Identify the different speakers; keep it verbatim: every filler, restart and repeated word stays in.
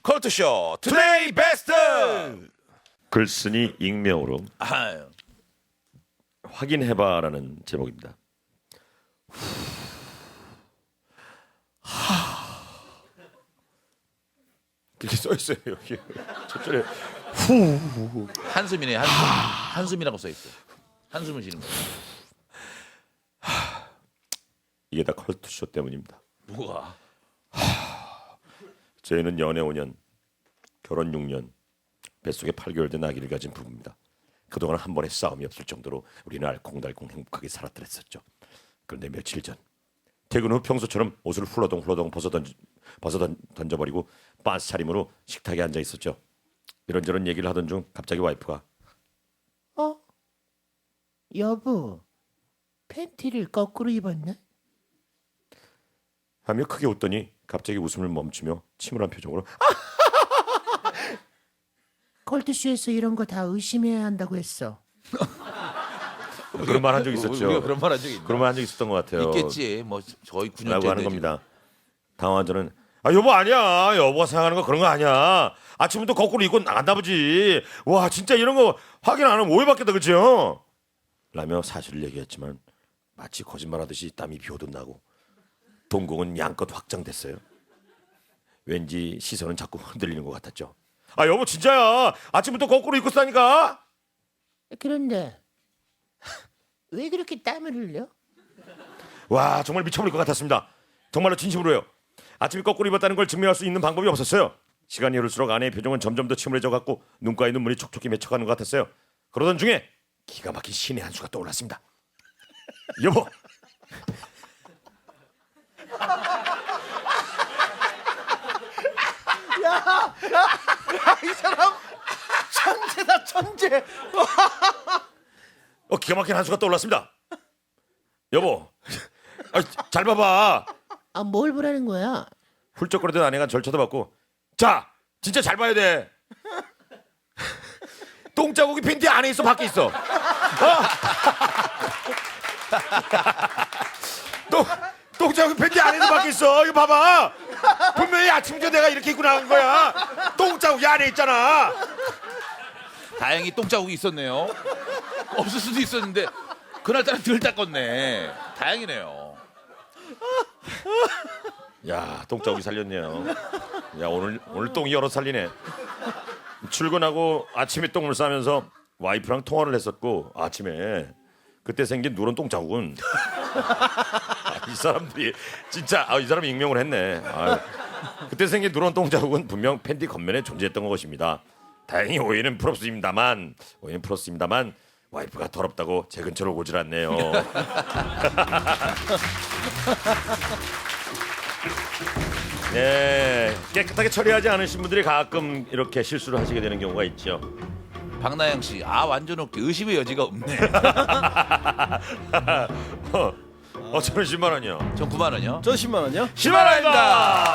Speaker 1: 컬투쇼 투데이 베스트.
Speaker 2: 글쓴이 익명으로
Speaker 1: 아유.
Speaker 2: 확인해봐라는 제목입니다. 이렇게 써 있어요 여기. 저쪽에 후.
Speaker 1: 한숨이네. 한숨. 한숨이라고 써 있어. 한숨을 쉬는 거.
Speaker 2: 이게 다 컬투쇼 때문입니다.
Speaker 1: 뭐가?
Speaker 2: 저희는 연애 오 년, 결혼 육 년, 뱃속에 팔 개월 된 아기를 가진 부부입니다. 그동안 한 번의 싸움이 없을 정도로 우리는 알콩달콩 행복하게 살았더랬었죠. 그런데 며칠 전 퇴근 후 평소처럼 옷을 훌러덩 훌러덩 벗어, 던지, 벗어 던, 던져버리고 빤스 차림으로 식탁에 앉아 있었죠. 이런저런 얘기를 하던 중 갑자기 와이프가
Speaker 3: 어? 여보, 팬티를 거꾸로 입었나?
Speaker 2: 하며 크게 웃더니 갑자기 웃음을 멈추며 침울한 표정으로
Speaker 3: 컬투쇼에서 이런 거 다 의심해야 한다고 했어.
Speaker 2: 그런 말 한 적 있었죠.
Speaker 1: 우리가 그런 말 한 적이 있나?
Speaker 2: 그런 말 한 적 있었던 것 같아요.
Speaker 1: 있겠지. 뭐 거의 구 년째
Speaker 2: 라고 하는 겁니다. 당황한 저는 아 여보 아니야. 여보가 생각하는 거 그런 거 아니야. 아침부터 거꾸로 입고 나간다 보지. 와 진짜 이런 거 확인 안 하면 오해받겠다 그죠? 라며 사실을 얘기했지만 마치 거짓말하듯이 땀이 비오듯 나고 동공은 양껏 확장됐어요. 왠지 시선은 자꾸 흔들리는 것 같았죠. 아 여보 진짜야. 아침부터 거꾸로 입고 싸니까.
Speaker 3: 그런데 왜 그렇게 땀을 흘려?
Speaker 2: 와 정말 미쳐버릴 것 같았습니다. 정말로 진심으로요. 아침에 거꾸로 입었다는 걸 증명할 수 있는 방법이 없었어요. 시간이 흐를수록 아내의 표정은 점점 더 침울해져 갔고 눈가에 눈물이 촉촉히 맺혀가는 것 같았어요. 그러던 중에 기가 막힌 신의 한 수가 떠올랐습니다. 여보
Speaker 4: 이 사람 천재다 천재.
Speaker 2: 어, 기가 막힌 한 수가 떠올랐습니다. 여보 아, 잘 봐봐.
Speaker 3: 아, 뭘 보라는 거야?
Speaker 2: 훌쩍거리던 아내가 절 쳐다봤고 자 진짜 잘 봐야 돼. 똥자국이 팬티 안에 있어 밖에 있어. 어? 똥, 똥자국이 팬티 안에 있어 밖에 있어. 이거 봐봐. 분명히 아침부터 내가 이렇게 입고 나간 거야. 똥자국이 안에 있잖아.
Speaker 1: 다행히 똥자국이 있었네요. 없을 수도 있었는데 그날따라 덜 닦았네. 다행이네요.
Speaker 2: 야 똥자국이 살렸네요. 야 오늘 오늘 똥이 여러 살리네. 출근하고 아침에 똥을 싸면서 와이프랑 통화를 했었고 아침에 그때 생긴 누런 똥자국은 이 사람들이 진짜 아, 이 사람이 익명을 했네. 아유, 그때 생긴 누런 똥자국은 분명 팬티 겉면에 존재했던 것입니다. 다행히 오해는 풀었습니다만 오해는 풀었습니다만 와이프가 더럽다고 제 근처로 오질 않네요. 네, 깨끗하게 처리하지 않으신 분들이 가끔 이렇게 실수를 하시게 되는 경우가 있죠.
Speaker 1: 박나영 씨, 아 완전 웃기. 의심의 여지가 없네.
Speaker 2: 어, 어 저는 십만 원이요.
Speaker 1: 전 구만 원이요.
Speaker 4: 저 십만 원이요?
Speaker 2: 십만 원입니다.